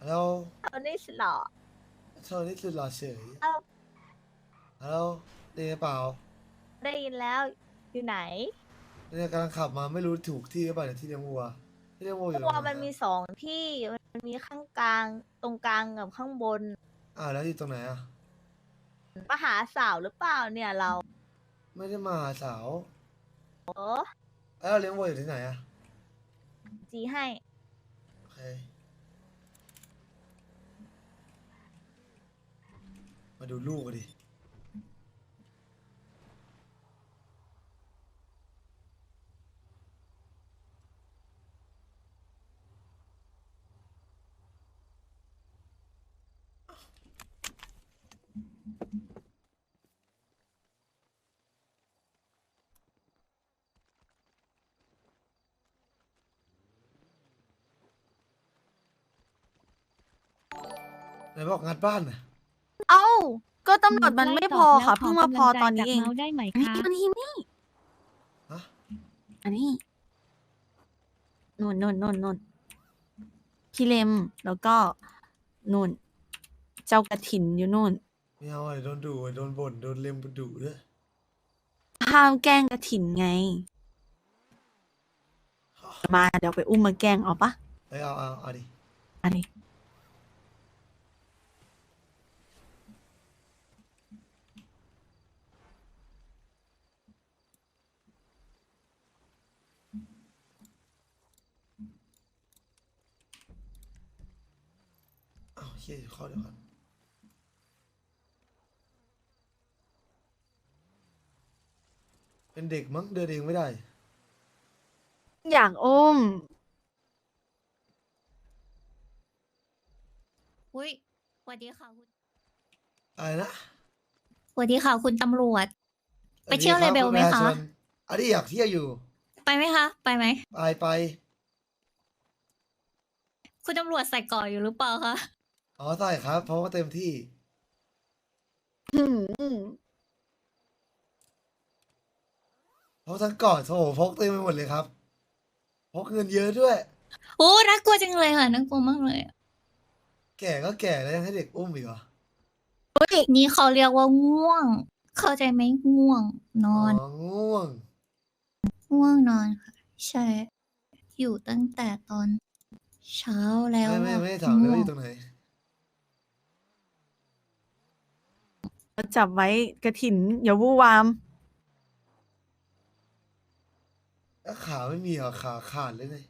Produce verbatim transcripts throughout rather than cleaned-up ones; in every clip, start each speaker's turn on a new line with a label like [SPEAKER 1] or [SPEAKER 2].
[SPEAKER 1] ฮัลโหล
[SPEAKER 2] เอานี่สิเหรอ
[SPEAKER 1] โทรนี่คือรอเฉย
[SPEAKER 2] เอา
[SPEAKER 1] ฮัลโหลได้ยินเปล่า
[SPEAKER 2] ได้ยินแล้วอยู่ไหน
[SPEAKER 1] เนี่ยกำลังขับมาไม่รู้ถูกที่หรือเปล่าเนี่ยที่เลี้ยงวัวที่เลี้ยงวัวอยู่ตร
[SPEAKER 2] วัว
[SPEAKER 1] งไหนอะ
[SPEAKER 2] มันมีสองที่มันมีข้างกลางตรงกลางกับข้างบน
[SPEAKER 1] อ่าวแล้วอยู่ตรงไหนอ่ะ
[SPEAKER 2] มาหาสาวหรือเปล่าเนี่ยเรา
[SPEAKER 1] ไม่ได้มาหาสาว
[SPEAKER 2] โอ้
[SPEAKER 1] แล้วเลี้ยงวัวอยู่ที่ไหนอ่ะ
[SPEAKER 2] จีให้
[SPEAKER 1] โอเคมาดูลูกกันดิไหนบอกงัดบ้านน่ะ
[SPEAKER 3] เอ้าก็ตำรวจมัน
[SPEAKER 4] ใกล้
[SPEAKER 3] ไม่
[SPEAKER 4] ต
[SPEAKER 3] พ
[SPEAKER 4] อ
[SPEAKER 3] อบ
[SPEAKER 4] แล้ว
[SPEAKER 3] ค่ะ
[SPEAKER 4] ขอ
[SPEAKER 3] เพิ่งมาพ
[SPEAKER 4] กำ
[SPEAKER 3] อ
[SPEAKER 4] ลังใจ
[SPEAKER 3] ตอนนี้
[SPEAKER 4] จาก
[SPEAKER 3] เอง
[SPEAKER 4] เมาส์ได้ไหม
[SPEAKER 3] นี่
[SPEAKER 4] คะ
[SPEAKER 3] มันนี่นี่
[SPEAKER 1] ฮะ
[SPEAKER 3] อันนี้นุ่นนุ่นนุ่นนุ่นพี่เลมแล้วก็นุ่น เจ้ากระถินอยู่นู่น
[SPEAKER 1] ไม่เอาไอ้โดนดุไอ้โดนบ่นโดนเล็มดุด้วย
[SPEAKER 3] ห้ามแกล้งกระถินไง มาเดี๋ยวไปอุ้มมาแกล้งเอาปะ
[SPEAKER 1] เอ้ยเอาเอาเอาดิ
[SPEAKER 3] อันนี้
[SPEAKER 1] เอาเฮียอยู่ข้อเดียวกันเป็นเด็กมั้งเดินเองไม่ได้
[SPEAKER 3] อยากอุ้ม
[SPEAKER 4] อุ้ยสวัสดีค่ะคุณ
[SPEAKER 1] อะไรนะ
[SPEAKER 4] สวัสดีค่ะคุณตำรวจ ไปเที่ยวเลเบลไหมคะ
[SPEAKER 1] อันนี้อยากเที่ยวอยู่
[SPEAKER 4] ไปไหมคะ ไปไหม
[SPEAKER 1] ไปไป
[SPEAKER 4] คุณตำรวจใส่ก่ออยู่หรือเปล่าคะ
[SPEAKER 1] อ๋อใช่ครับ เพราะว่าเต็มที่
[SPEAKER 3] อืม
[SPEAKER 1] เพราะทั้งก่อนโอ้โหพกเต็มไปหมดเลยครับพกเงินเยอะด้วย
[SPEAKER 4] โอ้น่ากลัวจังเลยค่ะน่ากลัวมากเลย
[SPEAKER 1] แก่ก็แก่แล้วยังให้เด็กอุ้มอีกเหรอ
[SPEAKER 4] นี่เขาเรียกว่าง่วง เข้าใจไหมง่วง น
[SPEAKER 1] อ๋
[SPEAKER 4] อ
[SPEAKER 1] อน ง่วง
[SPEAKER 4] ง่วงนอนค่ะ ใช่ อยู่ตั้งแต่ตอนเช้าแล้ว
[SPEAKER 1] ไม่ไม่
[SPEAKER 4] อะ
[SPEAKER 1] ไม่ได้ถามเลย
[SPEAKER 4] ง่ว
[SPEAKER 1] ว่าอง ยู่ตรงไหน
[SPEAKER 3] จับไว้กระถินอย่าวู่วาม
[SPEAKER 1] แล้วขาไม่มีเหรอขาขาดเลยไง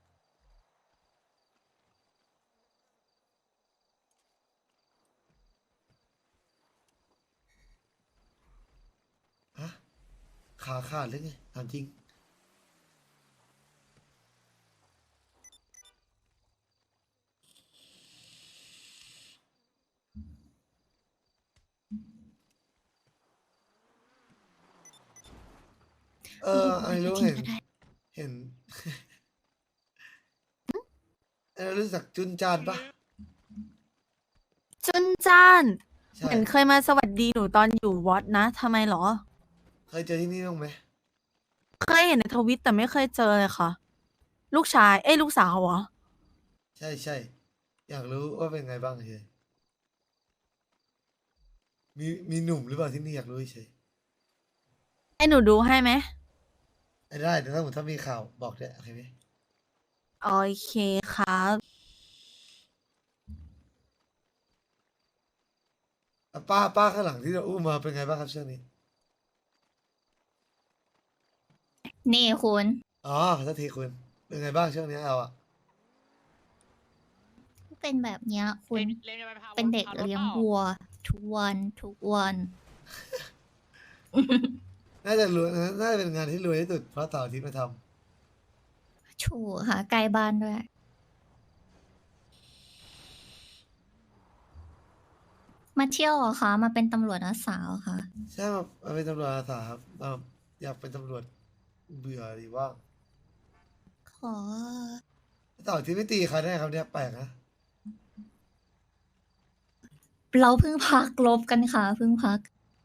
[SPEAKER 1] ฮะขาขาดเลยไงถามจริง เออไอ้รู้เห็น เห็น ไอ้รู้จักจุนจานปะ
[SPEAKER 3] จุนจ้าน
[SPEAKER 1] ใช่
[SPEAKER 3] เห็นเคยมาสวัสดีหนูตอนอยู่วัดนะทำไมเหรอ
[SPEAKER 1] เคยเจอที่นี่บ้างไหม
[SPEAKER 3] เคยเห็นในทวิตแต่ไม่เคยเจอเลยค่ะ ลูกชาย เอ้ยลูกสาวเหรอ
[SPEAKER 1] ใช่ใช่อยากรู้ว่าเป็นไงบ้างเฉยมีมีหนุ่มหรือเปล่าที่นี่อยากรู้เฉย
[SPEAKER 3] ให้หนูดูให้ไหม
[SPEAKER 1] ไอ้ได้แต่ถ้าสมมติถ้ามีข่าวบอกด้วยโอเคไหม
[SPEAKER 3] โอเคครับ
[SPEAKER 1] อ่ะป้าป้าข้างหลังที่เราอุ้มมาเป็นไงบ้างครับช่วงนี้
[SPEAKER 4] นี่คุณ
[SPEAKER 1] อ๋อขอโทษทีคุณเป็นไงบ้างช่วงนี้เอาอะ
[SPEAKER 4] เป็นแบบเนี้ย คุณ
[SPEAKER 5] เล่นกันไปพา
[SPEAKER 4] เป็นเด็ก
[SPEAKER 5] พารถ
[SPEAKER 4] เลี้ยง
[SPEAKER 5] ปล่า
[SPEAKER 4] วัว ทุกวันทุกวัน
[SPEAKER 1] น่าจะรวยน่าจะเป็นงานที่รวยที่สุดเพราะเต่าร์อาทิตย์มาท
[SPEAKER 4] ถูกค่ะใกล้บ้านด้วย มาเที่ยวเหรอคะ มาเป็นตำรวจอาสาเหรอคะ
[SPEAKER 1] ำใช่มามาเป็นตำรวจอาสาครับมาอยากเป็นตำรวจเบื่อหรือว่า
[SPEAKER 4] ขอ
[SPEAKER 1] เต่าร์อาที่ไม่ตีใครได้ครับเนี่ยแปลกนะ
[SPEAKER 4] เราเพิ่งพักลบกันค่ะเพิ่งพัก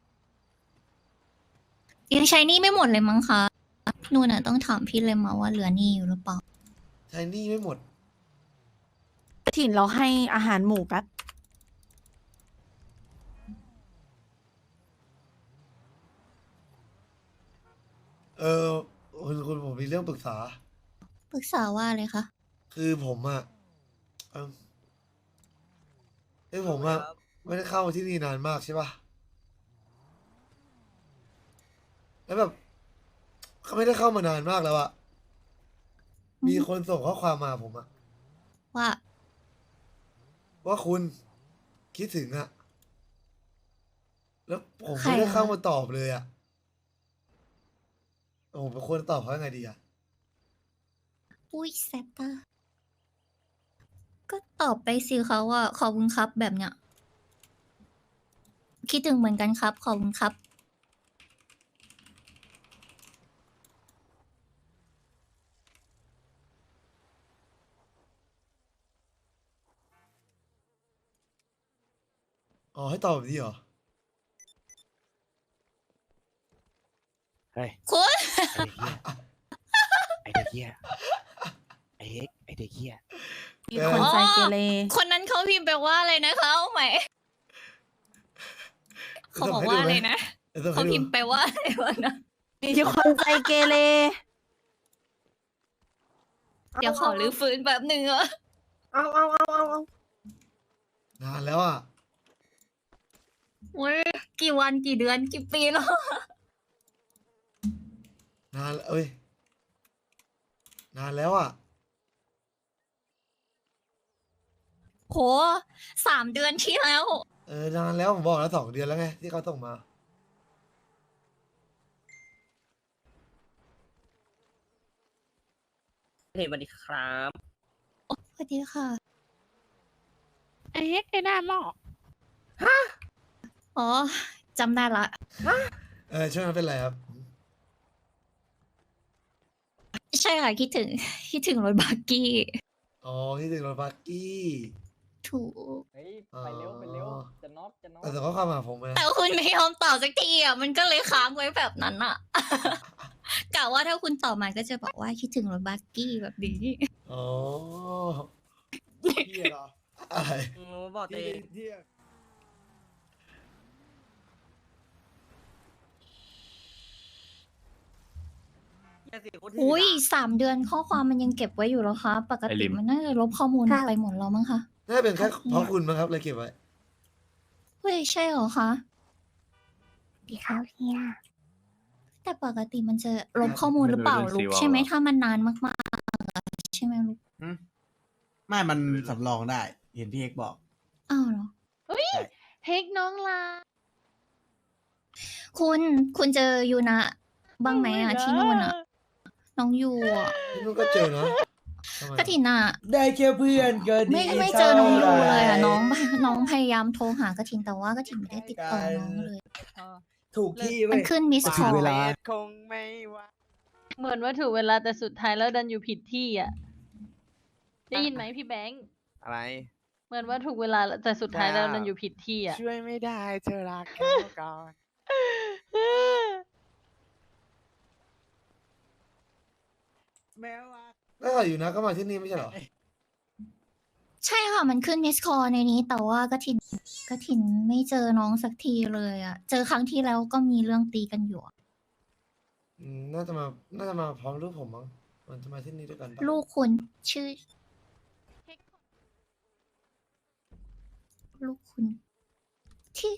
[SPEAKER 4] ยังใช้หนี่ไม่หมดเลยมั้งคะนู่นน่ะต้องถามพี่เลยมาว่าเหลือหนี่อยู่หรือเปล่า
[SPEAKER 1] ใช้หนี่ไม่หมด
[SPEAKER 3] กระถินเราให้อาหารหมูแป๊บ
[SPEAKER 1] เออคุณคุณผมมีเรื่องปรึกษา
[SPEAKER 4] ปรึกษาว่าอะไรคะ
[SPEAKER 1] คือผมอะเออเอ้ยผมอะไม่ได้เข้ามาที่นี่นานมากใช่ปะแล้วแบบเขาไม่ได้เข้ามานานมากแล้วอะ
[SPEAKER 4] อืม
[SPEAKER 1] มีคนส่งข้อความมาผมอะ
[SPEAKER 4] ว่า
[SPEAKER 1] ว่าคุณคิดถึงอะแล้วผม
[SPEAKER 4] ใคร
[SPEAKER 1] ไม่ได้
[SPEAKER 4] อะ
[SPEAKER 1] เข้ามาตอบเลยอะผมควรตอบเขายังไงดีอะ
[SPEAKER 4] อุ้ยแซตตาก็ตอบไปสิเขาว่าขอบคุณครับแบบเนี้ย คิดถึงเหมือนกันครับ ขอบคุณครับ
[SPEAKER 1] อ๋อให้ตอบแบบนี้เหรอ
[SPEAKER 5] เฮ้ย
[SPEAKER 4] คุณ
[SPEAKER 5] ไอเด็กเหี้ย ไอเด็กเหี้ย ไอเอ็กไอเด็กเหี้ย
[SPEAKER 3] มีคนใจเกเร
[SPEAKER 4] คนนั้นเขาพิมพ์ไปว่าอะไรนะคะเอาใหม่เขาบอกว่าอะไรนะ
[SPEAKER 1] เดี๋ยวส่ง
[SPEAKER 4] เขา
[SPEAKER 1] ให้ดู
[SPEAKER 4] พิมพ์ไปว่าอะไรวะนะ
[SPEAKER 3] มีคนใจเกเร
[SPEAKER 4] เดี๋ยวขอรื้อฟื้นแบบหนึ่งอะ
[SPEAKER 2] เอาเอาเอาเอาเอา
[SPEAKER 1] นานแล้วอะ
[SPEAKER 4] โอ้ยกี่วันกี่เดือนกี่ปีแล้ว
[SPEAKER 1] นานแล้วเอ้ยนานแล้วอะ
[SPEAKER 4] โหสามเดือนที่แล้ว
[SPEAKER 1] เออนานแล้วผมบอกแล้วสองเดือนแล้วไงที่เขาส่งมา
[SPEAKER 6] เฮ้ยสวัสดีครับ
[SPEAKER 4] สวัสดีค่ะ
[SPEAKER 3] ไอ้เฮ็กไอ้หน้าหม้อ
[SPEAKER 4] อ๋อจำได้ละ
[SPEAKER 1] เออช่วงนั้นเป็นไรครับ
[SPEAKER 4] ใช่ค่ะคิดถึง คิดถึงรถบักกี้
[SPEAKER 1] อ๋อที่ถึงรถบักกี้
[SPEAKER 4] ถูก
[SPEAKER 6] เฮ้ย ไปเร็ว ไปเร็ว จะน็อกจะน็อก
[SPEAKER 1] แต่ส่งข้อความมาหาผมนะ
[SPEAKER 4] แต่คุณไม่ยอมตอบสักทีอ่ะ มันก็เลยค้างไว้แบบนั้นอ่ะ กะว่าถ้าคุณตอบมาก็จะบอกว่าคิดถึงรถบักกี้แบบนี้
[SPEAKER 1] อ๋อพี่เหรออะไร
[SPEAKER 6] โอ้บอกเต
[SPEAKER 1] ที่ที่
[SPEAKER 6] แค่สี่คนที่
[SPEAKER 4] อุ้ย
[SPEAKER 6] ด่า
[SPEAKER 4] สามเดือนข้อความมันยังเก็บไว้อยู่เหรอคะ ปก
[SPEAKER 5] ไอ้
[SPEAKER 4] ติ
[SPEAKER 5] ลิม
[SPEAKER 4] มันน่าจะลบข้อมูลไปหมดแล้วมั้งคะ
[SPEAKER 1] น่าจะเป็นแค่เพราะคุณมั้งครับเลยเก็บไว้
[SPEAKER 4] เฮ้ย ใช่เหรอคะ
[SPEAKER 2] ดีครับเฮีย
[SPEAKER 4] แต่ปกติมันจะลบข้อมูลหรือเปล่า
[SPEAKER 5] ไม่รู้
[SPEAKER 4] ลูก
[SPEAKER 5] เรื่อง
[SPEAKER 4] ใช่ไหม
[SPEAKER 5] ซีวอล
[SPEAKER 4] ถ้ามันนานมากๆอะใช่ไหมลูก
[SPEAKER 7] ไม่ มันสำรองได้ เห็นพี่เอกบอก
[SPEAKER 4] อ้าวเหรอ
[SPEAKER 3] เฮ็กน้องลา
[SPEAKER 4] คุณคุณเจอยูนะบ้างไหมอ่ะที่นู่นอ่ะ น้องยูอ่ะ
[SPEAKER 1] ที่นู่นก็เจอนะทำไม
[SPEAKER 4] กระถินอ่ะ
[SPEAKER 7] ได้แค่เพื่อนก็ดี
[SPEAKER 4] ไม่ไม่เจอน้องยูเลยอ่ะ น้องน้องพยายามโทรหากระถินแต่ว่ากระถินไม่ได้ติดต่อน้องเลย
[SPEAKER 7] ถูกที่
[SPEAKER 4] มั
[SPEAKER 7] เว้
[SPEAKER 4] น
[SPEAKER 7] ย
[SPEAKER 4] ขึ้นมิสคอล
[SPEAKER 7] เวลา
[SPEAKER 5] คงไม่ว่า
[SPEAKER 8] เหมือนว่าถูกเวลาแต่สุดท้ายแล้วดันอยู่ผิดที่อ่ะ ได้ยินไหมพี่แบงค์
[SPEAKER 5] อะไร
[SPEAKER 8] เหมือนว่าถูกเวลาแต่สุดท้ายแล้วดันอยู่ผิดที่อ่ะ
[SPEAKER 5] ช่วยไม่ได้เธอรักเขาก่อน
[SPEAKER 7] แม้ว่า
[SPEAKER 1] แล้วเขาอยู่นะก็มาที่นี่ไม่ใช่เหรอ
[SPEAKER 4] ใช่ค่ะ มันขึ้นมิสคอลในนี้ แต่ว่ากระถินกระถินไม่เจอน้องสักทีเลยอ่ะ เจอครั้งที่แล้วก็มีเรื่องตีกันอยู่อะ
[SPEAKER 1] อืมน่าจะมา น่าจะมาพร้อมลูกผมมั้ง มันจะมาที่นี่ด้วยกันปะ
[SPEAKER 4] ลูกคุณชื่อ ลูกคุณ ที่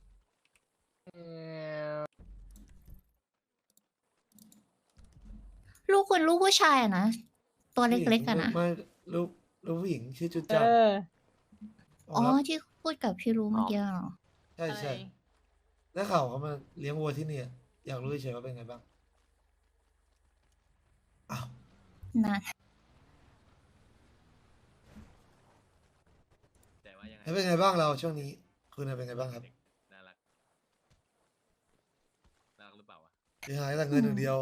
[SPEAKER 4] ลูกคุณลูกผู้ชายอะนะ ตัวเล็กๆอะนะ
[SPEAKER 1] ไม่ลูกลูกผู้หญิงชื่อจุด
[SPEAKER 8] เอ
[SPEAKER 1] จับ
[SPEAKER 8] อ
[SPEAKER 4] อ๋อ ที่พูดกับพี่รู้เมื่อกี้เหรอ
[SPEAKER 1] ใช่ใช่ได้ข่าวเขามาเลี้ยงวัวที่นี่อะอยากรู้เฉยๆว่าเป็นไงบ้าง อ้าว
[SPEAKER 4] นั่น
[SPEAKER 5] แต่ว่ายังไง
[SPEAKER 1] แล้วเป็นไงบ้างเราช่วงนี้ คุณน่ะเป็นไงบ้างครับ
[SPEAKER 5] น่ารัก น่ารักหรือเปล่าวะ
[SPEAKER 1] เสียหายแต่เงินอย่างเดียว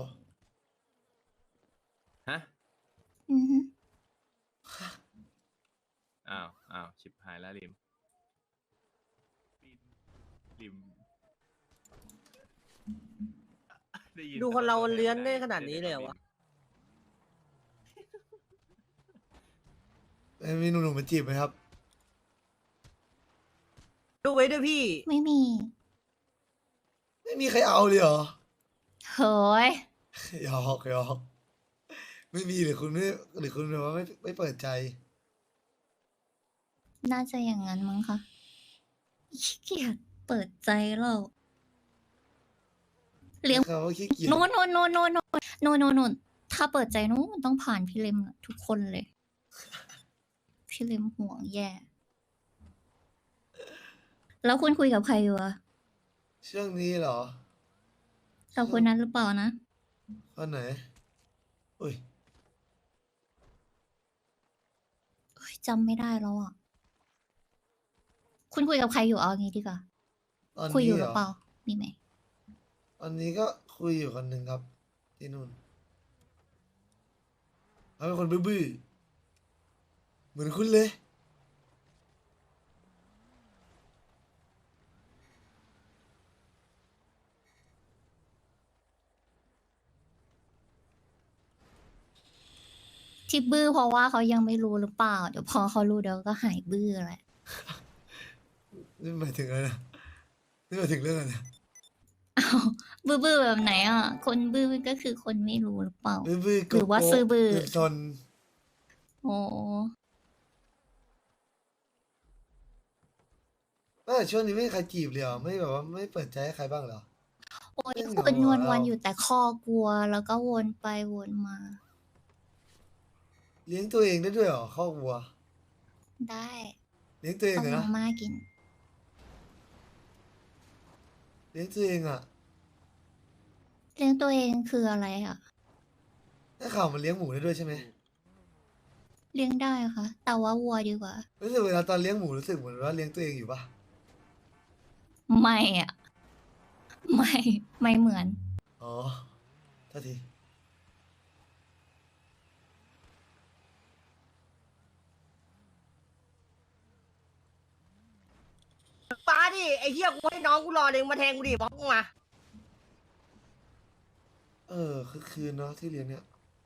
[SPEAKER 5] ฮะ
[SPEAKER 4] อือฮึ
[SPEAKER 5] อ้าว อ้าว ชิบหายแล้วริม ริมไยิ
[SPEAKER 6] ดูคนเราเลื้อนได้ขนาดนี้เลยเหรอวะ
[SPEAKER 1] เอ้ยมีหนุ่มๆมาจีบไหมครับ
[SPEAKER 6] ดูไว้ด้วยพี่
[SPEAKER 4] ไม่มี
[SPEAKER 1] ไม่มีใครเอาเลยเหรอ
[SPEAKER 4] เฮ้ย
[SPEAKER 1] หยอกหยอกไม่มีหรือคุณไม่หรือคุณแบบว่าไม่ไม่เปิดใจ
[SPEAKER 4] น่าจะอย่างนั้นมั้งคะขี้เกียจเปิดใจเราเลี้ยง
[SPEAKER 1] เขาว่าขี้เกียจ
[SPEAKER 4] โน่นโน่นโน่นโน่นโน่นโน่นโน่นโน่นถ้าเปิดใจนู้นต้องผ่านพี่เลมน่ะทุกคนเลย พี่เลมห่วงแย่ แล้วคุณคุยกับใครอยู่อะ
[SPEAKER 1] ช่วงนี้เหรอ
[SPEAKER 4] กับคนนั้นหรือเปล่านะ
[SPEAKER 1] คนไหนอุ้ย
[SPEAKER 4] เอ้ยจำไม่ได้แล้วอ่ะ คุณคุยกับใครอยู่เอางี้ดีกว่า
[SPEAKER 1] ตอน
[SPEAKER 4] คุยอ
[SPEAKER 1] นี้
[SPEAKER 4] ยู่ห
[SPEAKER 1] เหร
[SPEAKER 4] รือ
[SPEAKER 1] อ
[SPEAKER 4] เปล่า มีไหม
[SPEAKER 1] ตอนนี้ก็คุยอยู่คนหนึ่งครับ ที่นู่นเขาเป็นคนบื้อๆเหมือนคุณเลย
[SPEAKER 4] ที่บื้อเพราะว่าเขายังไม่รู้หรือเปล่า เดี๋ยวพอเขารู้เดี๋ยวก็หายบื้อแหละ
[SPEAKER 1] นี่หมายถึงอะไรนะนี่หมายถึงเรื่องอะไรนะ
[SPEAKER 4] อ้าวบื้อบื้อแบบไหนอ่ะ คนบื้อก็คือคนไม่รู้หรือเปล่า
[SPEAKER 1] บื้อๆ
[SPEAKER 4] หรือว่า
[SPEAKER 1] โกะๆ
[SPEAKER 4] ซื่อบื้อ
[SPEAKER 1] ซน
[SPEAKER 4] โอ้
[SPEAKER 1] เออช่วงนี้ไม่มีใครจีบเลยเหรอไม่แบบว่าไม่เปิดใจให้ใครบ้างเหรอ
[SPEAKER 4] โอ้ย
[SPEAKER 1] เรื่อง
[SPEAKER 4] คุณ
[SPEAKER 1] เห
[SPEAKER 4] น
[SPEAKER 1] งา
[SPEAKER 4] วล
[SPEAKER 1] ๆ
[SPEAKER 4] วัน
[SPEAKER 1] เรา
[SPEAKER 4] อยู่แต่คอกลัว แล้วก็วนไปวนมา
[SPEAKER 1] เลี้ยงตัวเองได้ด้วยเหรอครอบครัว
[SPEAKER 4] ได้
[SPEAKER 1] เลี้ยงตัวเอง
[SPEAKER 4] ต้ม
[SPEAKER 1] เหรอ
[SPEAKER 4] มา
[SPEAKER 1] นะ
[SPEAKER 4] ม่ากิน
[SPEAKER 1] เลี้ยงตัวเองอ่ะ
[SPEAKER 4] เลี้ยงตัวเองคืออะไรอ่ะ
[SPEAKER 1] ได้ข่าวมันเลี้ยงหมูได้ด้วยใช่ไหม
[SPEAKER 4] เลี้ยงได้ค่ะ แต่ว่าวัวดีกว่า
[SPEAKER 1] รู้สึกเวลาตอนเลี้ยงหมูรู้สึกเหมือนว่าเลี้ยงตัวเองอยู่ปะ
[SPEAKER 4] ไม่อ่ะ ไม่ ไม่เหมือน
[SPEAKER 1] อ๋อโทษที
[SPEAKER 6] ป้าดิ ไอ้เหี้ยกูให้น้องกูรอเองมาแทงกูดิบล็อกมา
[SPEAKER 1] เออคือคืนเนาะที่เลี้ยงเนี่ย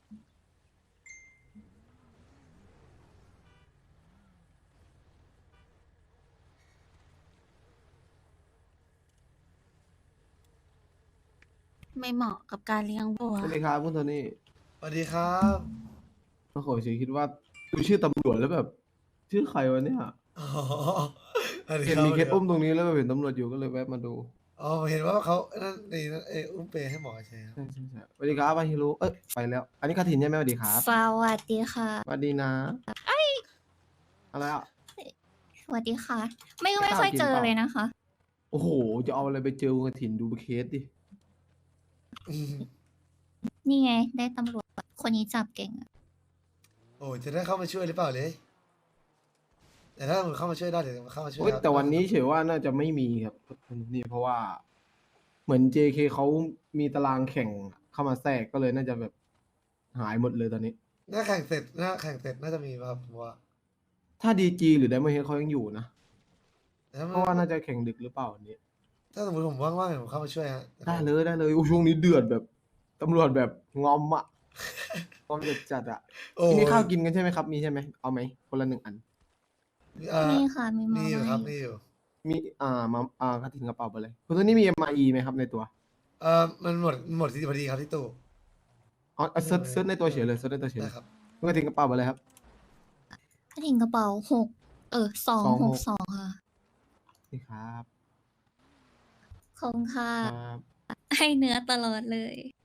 [SPEAKER 3] ไม่เหมาะกับการเลี้ยงวัว
[SPEAKER 9] สวัสดีครับคุณโทนี่
[SPEAKER 1] สวัสดีครับ
[SPEAKER 9] โอ้โหชีคิดว่าดูชื่อตำรวจแล้วแบบ ชื่อใครวะเนี่ย
[SPEAKER 1] อ๋อสวัสดี
[SPEAKER 9] เห็น
[SPEAKER 1] ครับ
[SPEAKER 9] มีเคสอุ้มตรงนี้แล้วแบบเห็นตำรวจอยู่ก็เลยแวะมาดู
[SPEAKER 1] อ๋อเห็นว่าเขานั่นนี่นั่นเอออุ้มเปย์ให้หมอใช่ครับ
[SPEAKER 9] ใช่ใช่ใช่สวัสดีครับอาฮิรุเอ้ยไปแล้ว อันนี้กระถินใช่ไหมสวัสดีครับ
[SPEAKER 4] สวัสดีค่ะ
[SPEAKER 9] สวัสดีนะ อะไรอ่ะ
[SPEAKER 4] สวัสดีค่ะ ไม่
[SPEAKER 9] ไม่
[SPEAKER 4] ไม่
[SPEAKER 9] กล้า
[SPEAKER 4] ค่อย
[SPEAKER 9] กิน
[SPEAKER 4] เจอ
[SPEAKER 9] เปล่า
[SPEAKER 4] เลยนะคะ
[SPEAKER 9] โอ้โห จะเอาอะไรไปเจอกระถินดูเคสดิ
[SPEAKER 1] อืม
[SPEAKER 4] นี่ไง ได้ตำรวจ คนนี้จับเก่งอะ
[SPEAKER 1] โอ้จะได้เข้ามาช่วยหรือเปล่าเลย แต่ถ้ามันเข้ามาช่วยได้เดี๋ยวมันเข้ามาช่วย
[SPEAKER 9] โอ้ย
[SPEAKER 1] ครับ
[SPEAKER 9] แต่วันนี้เฉยว่าน่าจะไม่มีครับนี่เพราะว่า เหมือน เจ เค เขามีตารางแข่งเข้ามาแทรกก็เลยน่าจะแบบหายหมดเลยตอนนี้
[SPEAKER 1] หน้าแข่งเสร็จหน้าแข่งเสร็จน่าจะมีป่ะครับผมว่า
[SPEAKER 9] ถ้าดีจีหรือไดมอนเฮดเขายังอยู่นะ
[SPEAKER 1] แต่ถ้า
[SPEAKER 9] เพ
[SPEAKER 1] มัน
[SPEAKER 9] ราะว่าน่าจะแข่งดึกหรือเปล่าวันนี้
[SPEAKER 1] ถ้าสมมติผมว่างๆเดี๋ยวผมเข้ามาช่วยฮะ
[SPEAKER 9] ได้เลยได้เลยโอ้ช่วงนี้เดือดแบบตำรวจแบบงอมอะ งอมจัดจัดๆอะ
[SPEAKER 1] โอ้
[SPEAKER 9] มีข้าวกินกันใช่ไหมครับ มีใช่ไหมเอาไหมคนละหนึ่งอัน
[SPEAKER 1] เอ่อ
[SPEAKER 4] นี่ค่ะ มีมา
[SPEAKER 1] มีอยู่ครับ
[SPEAKER 4] ม่า
[SPEAKER 1] มีอยู่
[SPEAKER 9] มีอ่ามาอ่ากระถิ่นกระเป๋าไปเลยคุณตัวนี้มี เอ็ม ไอ ไหมครับในตัว
[SPEAKER 1] เอ่อมันหมดหมดที่พอดีครับที่ตู้
[SPEAKER 9] อ๋อเอาเซิร์ชเซิร์ชในตัวเฉยเลยเซิร์ชในตัวเฉยเล
[SPEAKER 1] ได้
[SPEAKER 9] ย
[SPEAKER 1] ครับ
[SPEAKER 9] คุณกระถิ่นกระเป๋าไปเลยครับ
[SPEAKER 4] กระถิ่นกระเป๋าหก เออสอง
[SPEAKER 9] สอง
[SPEAKER 4] ห
[SPEAKER 9] ห
[SPEAKER 4] ก
[SPEAKER 9] ก
[SPEAKER 4] สองค่ะ
[SPEAKER 9] นี่ครับ
[SPEAKER 4] ขอบคุณค่ะ
[SPEAKER 9] ครับ
[SPEAKER 4] ให้เนื้อตลอดเลย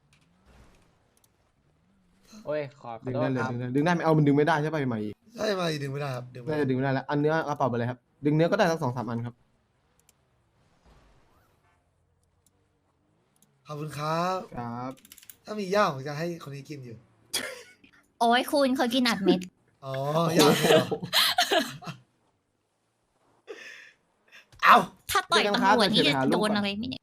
[SPEAKER 6] โอ้ย ขอขอ
[SPEAKER 9] ดึง
[SPEAKER 6] โท
[SPEAKER 9] ได้
[SPEAKER 6] ษ
[SPEAKER 9] เลย
[SPEAKER 6] ครับ
[SPEAKER 9] ดึงได้ดึงได้ไหมเอามันดึงไม่ได้ใช่ป่ะใหม่
[SPEAKER 1] ถ้าจะมาอีกดึงไม่ได้ครับดึงไม่
[SPEAKER 9] น่า
[SPEAKER 1] ได้
[SPEAKER 9] จะดึงไม่ได้แล้วอันเนื้อกระเป๋าไปเลยครับ ดึงเนื้อก็ได้ทั้งสองสามอันครับ
[SPEAKER 1] ขอบคุณครับ
[SPEAKER 9] ครับ
[SPEAKER 1] ถ้ามีย่างผมจะให้คนนี้กินอยู่
[SPEAKER 4] โอ้ยคุณเขากินอัดเม็ด
[SPEAKER 1] อ๋อย่างเลยเหรอเอา
[SPEAKER 4] ถ้าต่อย
[SPEAKER 9] เจอกันครับ
[SPEAKER 4] ตำรวจนี่
[SPEAKER 9] เดี๋ยว
[SPEAKER 4] จะ
[SPEAKER 9] หารูป
[SPEAKER 4] โดน
[SPEAKER 9] ก่อน
[SPEAKER 4] อะไรไหมเนี่ย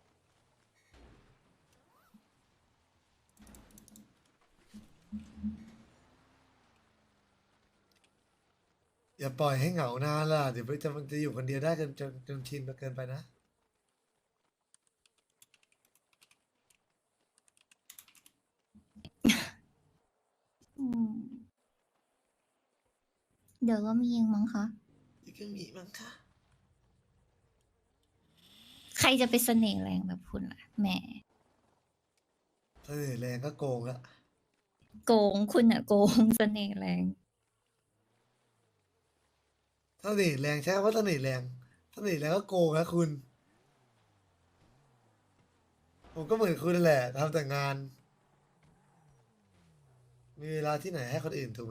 [SPEAKER 1] อย่าปล่อยให้เหงานานล่ะเดี๋ยวมันจะมันจะอยู่คนเดียวได้จนจนจนชินไปเกินไปนะ
[SPEAKER 4] อืมเดี๋ยวก็มีเองมั้งคะ
[SPEAKER 1] อีกก็มีมั้งค่ะ
[SPEAKER 4] ใครจะไปเสน่ห์แรงแบบคุณล่ะแหม
[SPEAKER 1] เสน่ห์แรงก็โกงละ
[SPEAKER 4] โกงคุณอะโกงเสน่ห์แรง
[SPEAKER 1] เสน่ห์แรงใช่ว่าเสน่ห์แรงเสน่ห์แรงก็โกงนะคุณ ผมก็เหมือนคุณนั่นแหละทำแต่งาน มีเวลาที่ไหนให้คนอื่นถูกไหม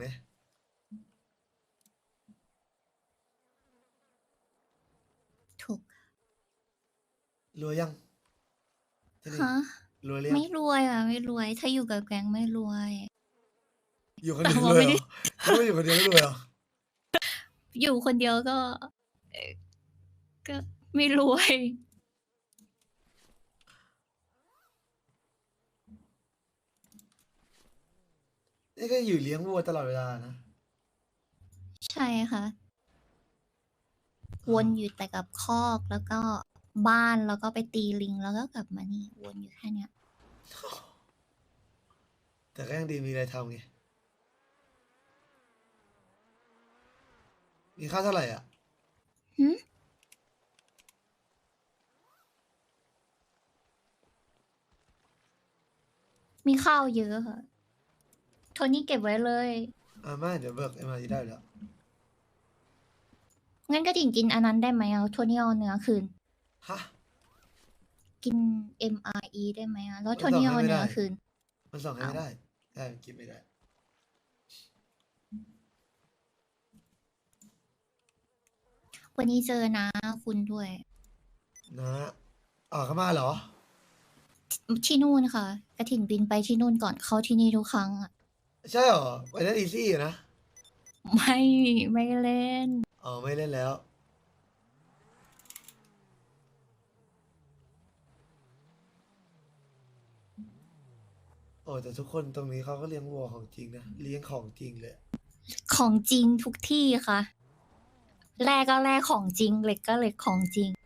[SPEAKER 4] ถูก
[SPEAKER 1] รวยยังที่นี่
[SPEAKER 4] ฮะ
[SPEAKER 1] รวยหรือยัง
[SPEAKER 4] ไม่รวยอ่ะ ไม่รวย ถ้าอยู่กับแก๊งไม่รวย
[SPEAKER 1] อยู่คนเดียว
[SPEAKER 4] แต่ว่า
[SPEAKER 1] เลย
[SPEAKER 4] ไม่
[SPEAKER 1] เหร
[SPEAKER 4] ได้
[SPEAKER 1] อไม่อยู่คนเดียวไม่รวยเหรอ
[SPEAKER 4] อยู่คนเดียวก็เอ่อก็ไม่รวย
[SPEAKER 1] นี่ก็อยู่เลี้ยงวัวตลอดเวลานะ
[SPEAKER 4] ใช่ค่ะ วนอยู่แต่กับคอกแล้วก็บ้านแล้วก็ไปตีลิงแล้วก็กลับมานี่วนอยู่แค่เนี้ย
[SPEAKER 1] แต่ก็ยังดีมีอะไรทำไง มีค่าเท่าไหร่อ่ะ
[SPEAKER 4] หึ มีข้าวเยอะค่ะ โทนี่เก็บไว้เลย
[SPEAKER 1] อ่าไม่เดี๋ยวเบิกเอ็มอาร์ได้อยู่แล้ว
[SPEAKER 4] งั้นก็ดิ่งกินอันนั้นได้ไหมเอาโทนี่เอาเนื้อคืน
[SPEAKER 1] ฮะ
[SPEAKER 4] กิน เอ็ม อาร์ อี ได้ไหมอ่ะ แล้ว
[SPEAKER 1] มัน
[SPEAKER 4] โทนี่
[SPEAKER 1] ส่งให้
[SPEAKER 4] เอา
[SPEAKER 1] ไม่
[SPEAKER 4] เนื้อ
[SPEAKER 1] ได้
[SPEAKER 4] คืน
[SPEAKER 1] มันส่งให้ไม่
[SPEAKER 4] เอา
[SPEAKER 1] ได้ได้มันกินไม่ได้
[SPEAKER 4] วันนี้เจอนะคุณด้วย
[SPEAKER 1] นะอ๋อเข้ามาเหรอ
[SPEAKER 4] ที่นู่นค่ะ กระถิ่นบินไปที่นู่นก่อนเข้าที่นี่ทุกครั้งอ่ะ
[SPEAKER 1] ใช่เหรอไปเล่นอีซี่อยู่นะ
[SPEAKER 4] ไม่ไม่เล่น
[SPEAKER 1] อ๋อไม่เล่นแล้ว โอ้แต่ทุกคนตรงนี้เขาก็เลี้ยงวัวของจริงนะ เลี้ยงของจริงเลย
[SPEAKER 4] ของจริงทุกที่ค่ะ แรกก็แรกของจริงเหล็กก็เหล็กของจริง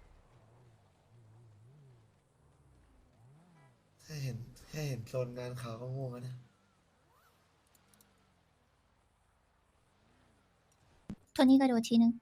[SPEAKER 1] แค่เห็นแค่เห็นโซนงานเขาก็ง่วงแล้วนะ
[SPEAKER 4] โทนี่ก็โดดทีนึง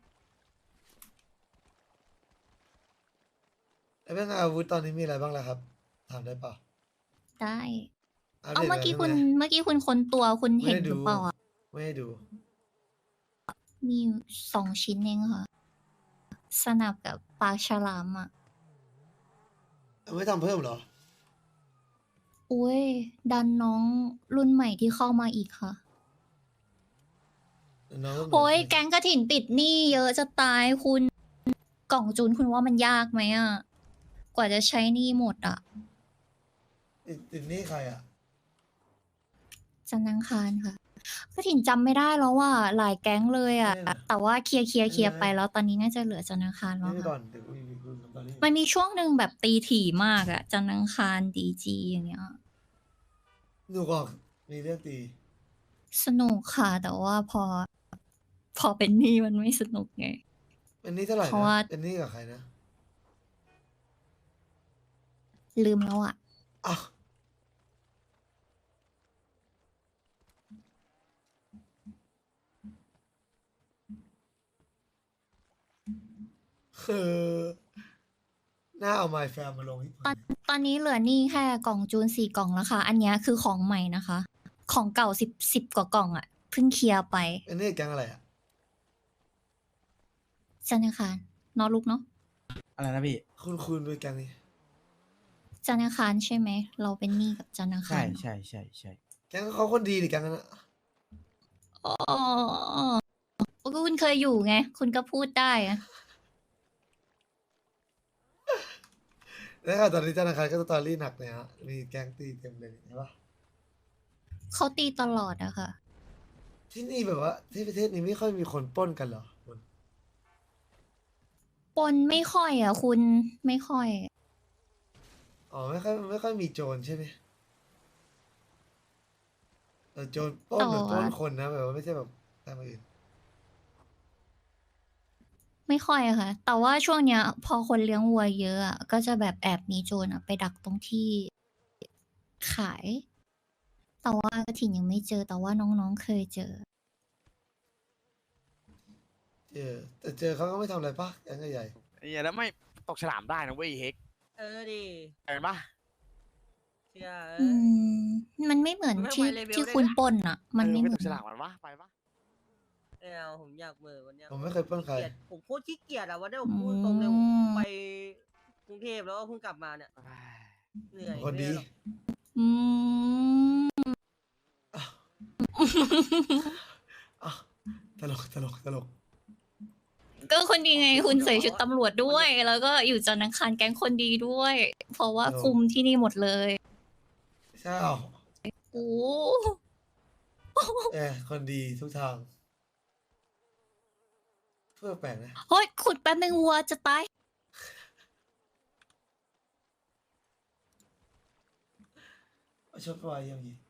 [SPEAKER 1] แล้วเรื่องอาวุธตอนนี้มีอะไรบ้างล่ะครับ ถามได้เปล่า
[SPEAKER 4] ได้
[SPEAKER 1] อัป
[SPEAKER 4] เอา
[SPEAKER 1] ดต
[SPEAKER 4] เมื่อกี้
[SPEAKER 1] หน่
[SPEAKER 4] คุ
[SPEAKER 1] ย
[SPEAKER 4] ณ
[SPEAKER 1] ได้ไหม
[SPEAKER 4] เมื่อกี้คุณค้นตัวคุณ
[SPEAKER 1] ไม่
[SPEAKER 4] เห็น
[SPEAKER 1] ได้
[SPEAKER 4] ห
[SPEAKER 1] ดู
[SPEAKER 4] รือเปล่าอ่ะ
[SPEAKER 1] ไม่ได้ดู
[SPEAKER 4] มีอยู่สองชิ้นเองค่ะ สนับกับปลาฉลามอ่ะ
[SPEAKER 1] เอาไม่ทำเพิ่มเหรอ
[SPEAKER 4] อุ้ย ดันน้องรุ่นใหม่ที่เข้ามาอีกค่ะ
[SPEAKER 1] น้องก็เหมืน
[SPEAKER 4] โอ้ย
[SPEAKER 1] กัน
[SPEAKER 4] แก๊งกระถิ่นติดหนี้เยอะจะตายคุณกล่องจูนคุณว่ามันยากไหมอ่ะ กว่าจะใช้หนี้หมดอ่ะ
[SPEAKER 1] ติดติดหนี่ใครอ่ะ
[SPEAKER 4] จันทร์อังคารค่ะกระถิ่นจำไม่ได้แล้วว่าหลายแก๊งเลยอ่ะ
[SPEAKER 1] ไม่เป็นไร
[SPEAKER 4] แต่ว่าเคลียร์เคลียร์เคลียร์
[SPEAKER 1] ไม่
[SPEAKER 4] ไป
[SPEAKER 1] เป็นไร
[SPEAKER 4] แล้วตอนนี้น่าจะเหลือจันทร์อังคารแล้
[SPEAKER 1] นี่
[SPEAKER 4] ว
[SPEAKER 1] ไปก่อ
[SPEAKER 4] ค่ะ
[SPEAKER 1] นเดี๋ยวคุยคุยกันตอนนี้
[SPEAKER 4] มันมีช่วงหนึ่งแบบตีถี่มากอ่ะจันทร์อังคารดีจีอย่างเงี้ย
[SPEAKER 1] หนูบอกมีเรื่องตี
[SPEAKER 4] สนุกค่ะ แต่ว่าพอ พอเป็นหนี้มันไม่สนุกไง
[SPEAKER 1] เป็นหนี่เท่าไหร่
[SPEAKER 4] เพราะ
[SPEAKER 1] นะ
[SPEAKER 4] ว่า
[SPEAKER 1] เป็นหนี่กับใครนะ
[SPEAKER 4] ลืมแล้วอ่ะ
[SPEAKER 1] อ้าวคือหน้าเอาไมแฟมมาลงที่
[SPEAKER 4] ตอนตอนนี้เหลือหนี้แค่กล่องจูนสี่กล่องแล้วค่ะ อันเนี้ยคือของใหม่นะคะ ของเก่าสิบสิบกว่ากล่องอ่ะเพิ่งเคลียร์ไป
[SPEAKER 1] เป็นหนี่แก๊งอะไรอ่ะ
[SPEAKER 4] จันทร์อังคารนอนลุกเนาะ
[SPEAKER 7] อะไรนะพี่
[SPEAKER 1] คุณคุณด้วยแก๊งนี้
[SPEAKER 4] จันทร์อังคารใช่ไหม เราเป็นหนี้กับจันทร์อัง
[SPEAKER 7] ใช่
[SPEAKER 4] คาร
[SPEAKER 7] ใช่ใช่ใช่
[SPEAKER 1] แก๊งเขาคนดีดิแก๊งนั้นอะ
[SPEAKER 4] อ๋อก็คุณเคยอยู่ไง คุณก็พูดได้อะ
[SPEAKER 1] แล้วค่ะตอนนี้ธนาคารก็สตอรี่หนักเลยฮะ มีแก๊งตีเต็มเลยใช่ปะ
[SPEAKER 4] เขาตีตลอดอะค่ะ
[SPEAKER 1] ที่นี่แบบว่าที่ประเทศนี้ไม่ค่อยมีคนปล้นกันเหรอคุณ
[SPEAKER 4] ปนไม่ค่อยอะคุณไม่ค่อย
[SPEAKER 1] อ๋อไม่ค่อยไม่ค่อยมีโจรใช่ไหมเออโจรปล้นแบบปล้นคนนะแบบว่าไม่ใช่แบบตามอื่น
[SPEAKER 4] ไม่ค่อยอะค่ะ แต่ว่าช่วงเนี้ย พอคนเลี้ยงวัวเยอะอะก็จะแบบแอบมีโจรอะไปดักตรงที่ขาย แต่ว่ากระถิ่นยังไม่เจอ แต่ว่าน้องๆเคยเจอ
[SPEAKER 1] เออแต่เจอเขาก็ไม่ทำอะไรปะแก๊งใหญ่
[SPEAKER 5] ไอ้เหี้ยแล้วไม่ตกฉลามได้นะเว้ยเฮก
[SPEAKER 6] เออดิ
[SPEAKER 5] เห็นปะ
[SPEAKER 6] เชื่อเอ
[SPEAKER 4] อื
[SPEAKER 6] อ
[SPEAKER 4] ม มันไม่เหมือน
[SPEAKER 6] มันไม่
[SPEAKER 4] ที่
[SPEAKER 6] ไหวเลเวล
[SPEAKER 4] ที่
[SPEAKER 6] ได้
[SPEAKER 4] คุณ
[SPEAKER 6] นะ
[SPEAKER 4] ปล้นอ่ะ มันไม่
[SPEAKER 5] เออ
[SPEAKER 4] เห
[SPEAKER 5] ไม่
[SPEAKER 4] มื
[SPEAKER 5] ต
[SPEAKER 4] อน
[SPEAKER 5] กฉลามมันวะไปปะ
[SPEAKER 6] ไม่เอาผมอยากเหมือวันเนี้ย
[SPEAKER 1] ๆผมไม่เคยปล้นใคร
[SPEAKER 6] เกลียดผมโคตรขี้เกียจอะวันนี้ผมพูดตรงเลยผมไปกรุงเทพแล้วก็เพิ่งกลับมาเนี่ยเหนื่อย
[SPEAKER 1] คนดี
[SPEAKER 6] ไม่ไหรอก
[SPEAKER 4] อืม
[SPEAKER 1] อ่ะอ่ะตลกตลกตลก
[SPEAKER 4] ก็คนดีไงคุณใส่ชุดตำรวจด้วย แล้วก็อยู่จันทร์อังคารแก๊งคนดีด้วย เพราะว่าคุมที่นี่หมดเลย
[SPEAKER 1] ใช่เหรอ
[SPEAKER 4] โอ้
[SPEAKER 1] เออคนดีทุกทาง เพื่อแปลกนะ
[SPEAKER 4] เฮ้ยขุดแป๊บนึงวัวจะตาย
[SPEAKER 1] ชดไว้ยังงี้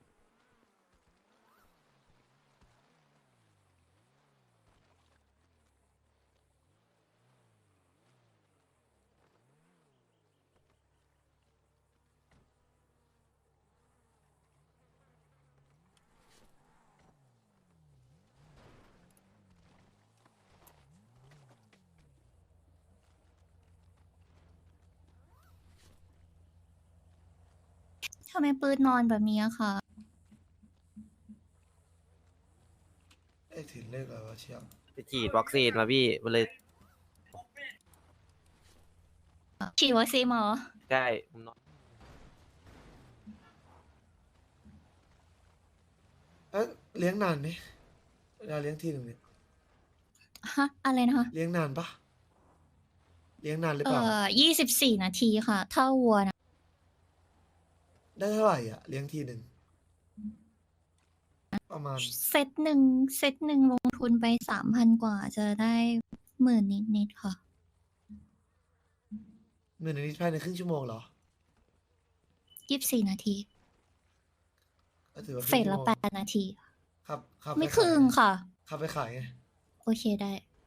[SPEAKER 4] ทำไมปืนนอนแบบนี้อะคะ
[SPEAKER 1] เลขถิ่นเลขอะไรวะเชียว
[SPEAKER 10] ไปฉีดวัคซีนมาพี่มันเลย
[SPEAKER 4] ฉีดวัคซีนมาเหรอ
[SPEAKER 10] ใช่ผมนอน
[SPEAKER 1] เอ๊ะเลี้ยงนานไหมเวลาเลี้ยงทีหนึ่งเนี่ย
[SPEAKER 4] ฮะ อะไรนะคะ
[SPEAKER 1] เลี้ยงนานปะเลี้ยงนานหรือ
[SPEAKER 4] เอ่
[SPEAKER 1] เปล่า
[SPEAKER 4] อยี่สิบสี่นาทีค่ะ ถ้าวัวนะ
[SPEAKER 1] ได้เท่าไหร่อ่ะ เลี้ยงทีหนึ่งประมาณ
[SPEAKER 4] เซตหนึ่งเซตหนึ่งลงทุนไปสามพันกว่าจะได้หมื่นนิดๆค่ะ
[SPEAKER 1] หนึ่งนาทีภายในครึ่งชั่วโมงเหรอ
[SPEAKER 4] ยี่สิบสี่นาที
[SPEAKER 1] ก็ถือว่า
[SPEAKER 4] เฟสละแปดนาที
[SPEAKER 1] ครับครับ
[SPEAKER 4] ไม่ครึ่งค่ะ
[SPEAKER 1] ขับไปขายไง
[SPEAKER 4] โอเคได้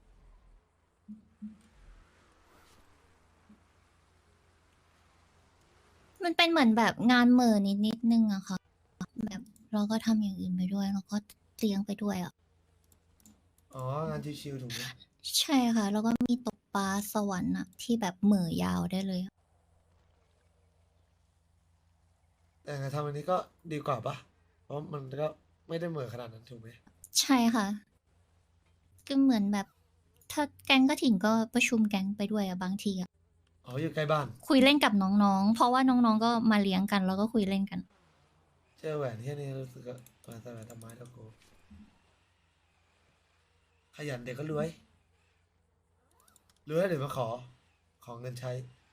[SPEAKER 4] มันเป็นเหมือนแบบงานเหม่อนิดนิดนึงอะค่ะ แบบเราก็ทำอย่างอื่นไปด้วย แล้วก็เลี้ยงไปด้วยอะ
[SPEAKER 1] อ๋องานชิวๆถูกไหม
[SPEAKER 4] ใช่ค่ะ แล้วก็มีตกปลาสวรรค์อะที่แบบเหม่อยาวได้เลย
[SPEAKER 1] แต่งานทำอันนี้ก็ดีกว่าปะเพราะมันก็ไม่ได้เหมือนขนาดนั้นถูกไหม
[SPEAKER 4] ใช่ค่ะ ก็เหมือนแบบ ถ้าแก๊งก็ถิ่นก็ประชุมแก๊งไปด้วยอะบางทีอะ
[SPEAKER 1] อ๋ออยู่ใกล้บ้าน
[SPEAKER 4] คุยเล่นกับน้องๆ เพราะว่าน้องๆ ก็มาเลี้ยงกันแล้วก็คุยเล่นกัน
[SPEAKER 1] เจอแหวนที่นี่รู้สึกว่าแหวนใส่แหวนทำไมแล้วกูขยันเด็กก็รวยรวยแล้วเดี๋ยวมาขอ ขอเงินใช้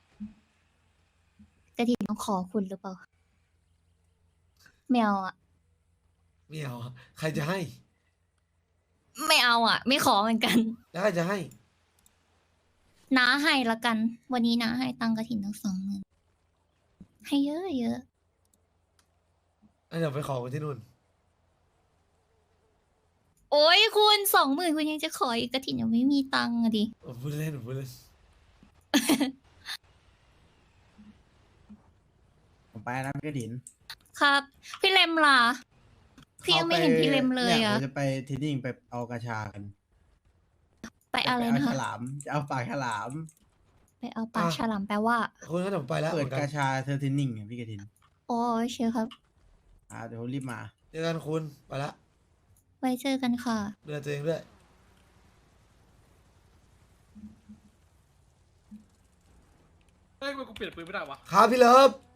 [SPEAKER 4] กระถิ่นต้องขอคุณหรือเปล่าไม่เอาอะ
[SPEAKER 1] ไม่เอาอะใครจะให้
[SPEAKER 4] ไม่เอาอะไม่ขอเหมือนกัน
[SPEAKER 1] แล้วใครจะให้
[SPEAKER 4] น้าให้ละกัน วันนี้น้าให้ตังค์กระถิ่นทั้งสองหมื่นให้เยอะเยอะ
[SPEAKER 1] อันเดี๋ยวไปขอกันที่นู่น
[SPEAKER 4] โอ้ยคุณสองหมื่นคุณยังจะขออีกกระถิ่นยังไม่มีตังค์อะดิ
[SPEAKER 1] ผมพูดเล่นผมพูดเล่น
[SPEAKER 7] ผมไปนะพี่กระถิน
[SPEAKER 4] ครับ พี่เลมล่ะ พี่ยังไม่เห็นพี่เลมเลย
[SPEAKER 7] นี่
[SPEAKER 4] อะ
[SPEAKER 7] ผมจะไปเทรนนิ่งไปเอากระชากัน
[SPEAKER 4] ไปอะไร
[SPEAKER 7] จ
[SPEAKER 4] นะ
[SPEAKER 7] เอาฉ
[SPEAKER 4] คะ
[SPEAKER 7] ลาม จะเอาปากฉลาม
[SPEAKER 4] ไปเอาปลาฉลามแปลว่า
[SPEAKER 1] คุณก็เดี๋ยวผมไปแล้ว
[SPEAKER 7] เปิ
[SPEAKER 1] เห
[SPEAKER 7] ด
[SPEAKER 1] มือนกั
[SPEAKER 7] ก
[SPEAKER 1] น
[SPEAKER 7] ระชาเธอเทรนนิ่งไงพี่กระถิน
[SPEAKER 4] โอ้ยเชียวครับ
[SPEAKER 7] อ่าเดี๋ยวรีบมา
[SPEAKER 1] เจอกันคุณไปละ
[SPEAKER 4] ไว้เจอกันค่ะ
[SPEAKER 1] ดูแลตัวเองด้วย
[SPEAKER 11] เฮ้ยทำไมกูเปลี่ยนปืนไม่ได้วะ
[SPEAKER 1] ครับพี่เลิฟ